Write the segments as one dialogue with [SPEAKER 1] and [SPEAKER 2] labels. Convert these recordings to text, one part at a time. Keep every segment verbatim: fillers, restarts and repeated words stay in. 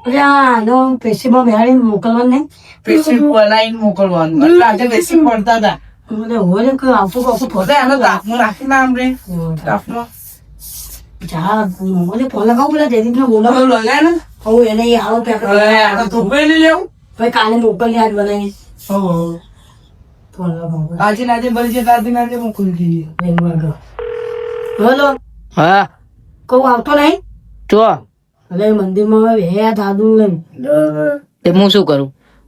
[SPEAKER 1] અરે નો પેશીમાં બેહાડીને મોકલવાનું નહીં.
[SPEAKER 2] પેશી બનાવીને મોકલવાનું એટલે આજે પેશી પડતા હતા
[SPEAKER 1] મને હોય કે આવતું કશું
[SPEAKER 2] પોતે એનો તાપમાં રાખીને આમ રે તાપમાં
[SPEAKER 1] જા મને ફોન લગાવું પેલા જયદીપને બોલાવો
[SPEAKER 2] લગાય ને
[SPEAKER 1] હું એને એ આવો પેક
[SPEAKER 2] આ તો ધોબે લઈ લેવું
[SPEAKER 1] ભાઈ કાલે મોકલી આજ બનાવીશ. ફોન લગાવું
[SPEAKER 2] આજે નાજે બળી છે તાજી નાજે મોકલી દઈએ.
[SPEAKER 1] હેલો
[SPEAKER 3] હા
[SPEAKER 1] કહું આવતો નહીં
[SPEAKER 3] ચો
[SPEAKER 1] હવે મંદિરમાં હે દાદુ લઈને
[SPEAKER 3] તે હું શું કરું?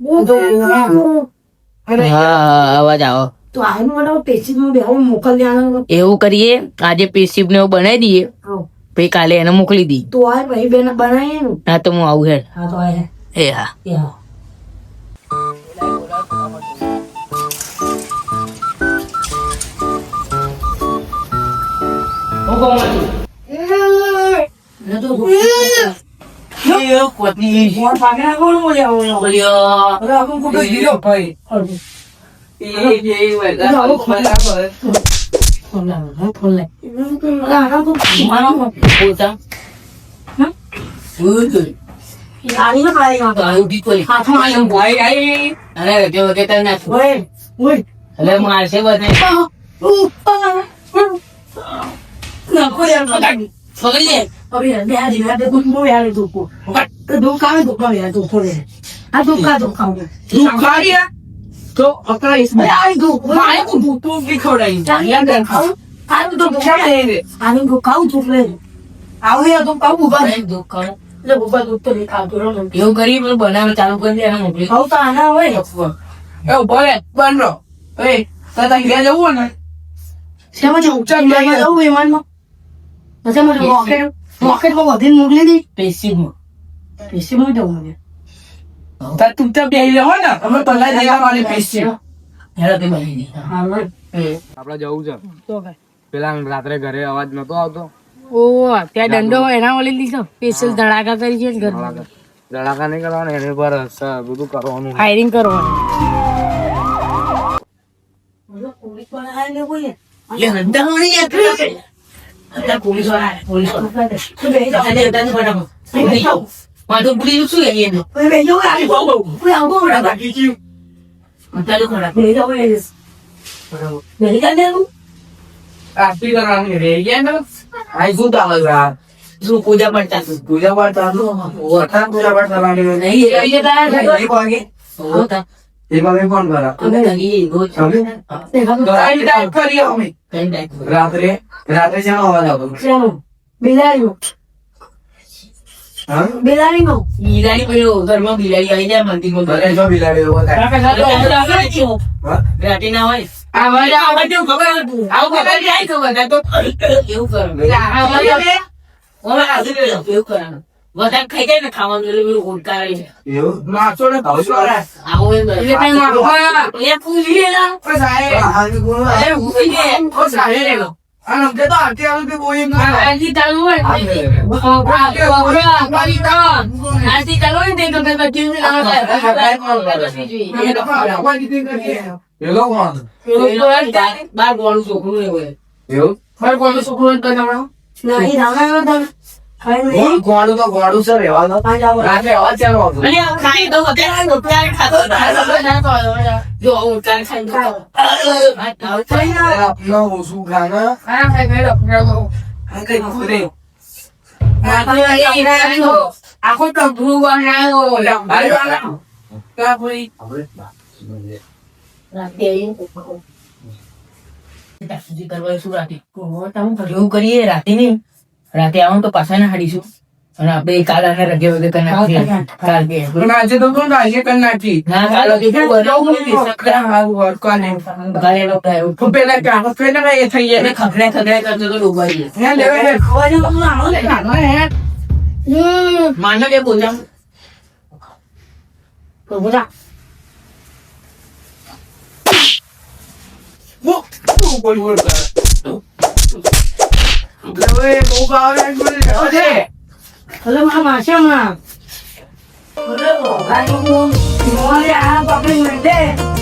[SPEAKER 1] અરે
[SPEAKER 3] હા હા અવાજ આવો.
[SPEAKER 1] તો આનું મને પેશીમાં બેહાડી મોકલી દેવાનું.
[SPEAKER 3] એવું કરીએ આજે પેશીપ ને એવું બનાવી દઈએ પછી કાલે એને મોકલી દઈએ.
[SPEAKER 1] તો આ ભાઈ બેન બનાવીએ ને.
[SPEAKER 3] હા તો હું આવું હેડ.
[SPEAKER 1] હા તો આ
[SPEAKER 3] એ હા
[SPEAKER 1] એ હા ફોન પાકડા કોણ બોલ્યા
[SPEAKER 3] બોલ્યો
[SPEAKER 1] અરે આપણું કોઈ ગીરો
[SPEAKER 2] ભાઈ એ જે બરાબર
[SPEAKER 1] ફોન લાવ ફોન લાવ આના તો મારા
[SPEAKER 3] બોલતા
[SPEAKER 1] આની ના પાડી ના
[SPEAKER 3] આવું ઠીક કરી
[SPEAKER 1] હાથમાં આયો
[SPEAKER 3] ભાઈ આઈ અરે જો કે તને નાખું
[SPEAKER 1] ઓય ઓય
[SPEAKER 3] એટલે મારશે બધા
[SPEAKER 1] ના કોઈ યાર પકડી
[SPEAKER 3] પકડી લે.
[SPEAKER 1] અરે બે આ દિના તે કોઈ મો યાર તો કો તો દુકાન દુકાન યાર તો ફોડે આ દુકાન દુકાન
[SPEAKER 2] દુખાડિયા તો અકળાઈશ
[SPEAKER 1] અરે આ દુકાન
[SPEAKER 2] મારે તો ભૂતું બી ખવડાવી
[SPEAKER 1] ચાલ યાર ખાવ આનું તો દુકાન આનું તો ખાવ તો લે આવું યાર તો ખાવ ઉભા રહે
[SPEAKER 3] દુકાન
[SPEAKER 1] એટલે ઉભા દુખ તો નહીં ખાવતો રહો ને
[SPEAKER 3] એવું કરી પેલું બનાવે ચાલુ કરી દે એને મોકલી.
[SPEAKER 1] ખાવ તો આના હોય ને
[SPEAKER 2] એવું ભલે બનરો એ તાતા ઘેર જવું ને
[SPEAKER 1] શેમાં જવું ચાલ મેં જવું વિમાનમાં પછી મને રોકેટ રોકેટમાં વધીને મોકલી દી
[SPEAKER 3] પેશીપમાં
[SPEAKER 1] પેશીમાં જવું મને
[SPEAKER 2] તા તું ત્યાં બેહી રહો ને અમે પહેલા જઈ આવવાની પેશી
[SPEAKER 3] હેડો તે બની દે.
[SPEAKER 1] હા ભાઈ
[SPEAKER 4] આપડે જવું છે
[SPEAKER 1] તો ભાઈ
[SPEAKER 4] પેલા રાત્રે ઘરે અવાજ નતો આવતો
[SPEAKER 1] ઓ ત્યાં દંડો એના ઓલી લીધો સ્પેશિયલ ધડાકા કરી છે ઘર
[SPEAKER 4] ધડાકા નહીં કરવાના એની પર સ- બધું કરવાનું
[SPEAKER 1] ફાયરિંગ કરવાનું પોલીસ વાળા આવીને કોઈ
[SPEAKER 3] એટલે હંતા મળી જાય અત્યારે પોલીસ વાળા પોલીસ વાળા અત્યારે અત્યારે ફટાફટ માથું પુલી શું લઈએ એનો અત્યારે ખોરાક
[SPEAKER 2] આરતી કરવાની રે ગયા ને
[SPEAKER 3] આઈ શું તાવ શું પૂજા પણ ચાલુ
[SPEAKER 2] પૂજા પાઠ ચાલુ વરસાદ પૂજા પાઠ ચાલવાની
[SPEAKER 3] નહીં એ રીતે થાય
[SPEAKER 2] નહીં પાગે
[SPEAKER 3] હોતા
[SPEAKER 2] એમાં મેં ફોન કરા
[SPEAKER 3] અમે લગી રોજ
[SPEAKER 2] ટાઈમ ટાઈમ કરી અમે
[SPEAKER 3] કઈ ટાઈમ
[SPEAKER 2] રાત્રે રાત્રે શાનો અવાજ આવતો
[SPEAKER 1] બિલાડીનો
[SPEAKER 2] હા
[SPEAKER 1] બિલાડીનો
[SPEAKER 3] બિલાડી પેલો ઘરમાં બિલાડી આવી જાય મંદિરમાં
[SPEAKER 2] ઘરે જો બિલાડી એવો થાય હા?
[SPEAKER 3] રાતે ના હોય
[SPEAKER 2] આ વાજા આવા જો ખબર
[SPEAKER 3] આવું ખબર જાય તો બધા તો એવું કરો ઓલા આજે એવું કરવાનું વધારે ખાઈ જાય ને ખાવાનું એટલે પેલું ઉડકારે છે
[SPEAKER 2] એવું માસો ને ભાવસો રે
[SPEAKER 3] આવું એમ એટલે કઈ વાંધો એ પૂછી લે ના
[SPEAKER 2] ઓ સાહેબ આ ગુણ
[SPEAKER 3] એ પૂછી લે
[SPEAKER 2] ઓ સાહેબ આ નમકે તો આરતી આવે કે બોઈ ના
[SPEAKER 3] આજી ચાલુ હોય આજી ચાલુ હોય ને તો કઈ કઈ
[SPEAKER 2] પેલો કોણ
[SPEAKER 3] બાર ગોળું છોકરું ને હોય
[SPEAKER 2] એવું
[SPEAKER 3] બાર ગોળું છોકરું તો તમારું
[SPEAKER 1] નહીં રાવણ તમે ખાઈ નહીં
[SPEAKER 2] ગોળું તો ગોળું છે રહેવાનો રાત્રે અવાજ ચાલુ આવતો
[SPEAKER 3] અને આ ખાઈ તો અત્યારે ઉતાર ખાતો હતો જો ઉતાર ખાઈ તો
[SPEAKER 2] આપનો ઓછું ખાના
[SPEAKER 3] આ ખાઈ ગયો
[SPEAKER 2] આ કઈ ખોરે
[SPEAKER 3] આખો તો ભૂ બનાવ્યો
[SPEAKER 2] કા કોઈ
[SPEAKER 3] રાતે આવીને સુધી કરવા શું રાતે એવું કરીએ રાતે નહીં રાતે આવું તો પાછા ના હાડીશું અને આપણે કાલ આને રગે વગે કરી નાખીએ કાલ કે
[SPEAKER 2] પણ આજે તો કોણ આજે કરી નાખી
[SPEAKER 3] ના કાલ વગે શું બનાવું
[SPEAKER 2] સકરા હાવ વર્કવાને
[SPEAKER 3] ગાલે લોકો આવ્યું
[SPEAKER 2] તો પેલા કાગળ પેલા એ થઈ
[SPEAKER 3] એને
[SPEAKER 2] જાય
[SPEAKER 3] ખખડે ખખડે કરતો તો ડૂબાઈ
[SPEAKER 2] હે લેવે હે
[SPEAKER 1] ખવાજો બધું આવો ને
[SPEAKER 2] કાગળ હે
[SPEAKER 3] માનો કે બોલા
[SPEAKER 1] તો બોલા
[SPEAKER 2] વો તું બોલ બોલ લેવે બહુ ગાવે બોલ અરે
[SPEAKER 1] અરે મારા માસેમાં અરે ભાઈ હું મોલે આ પકડી મેં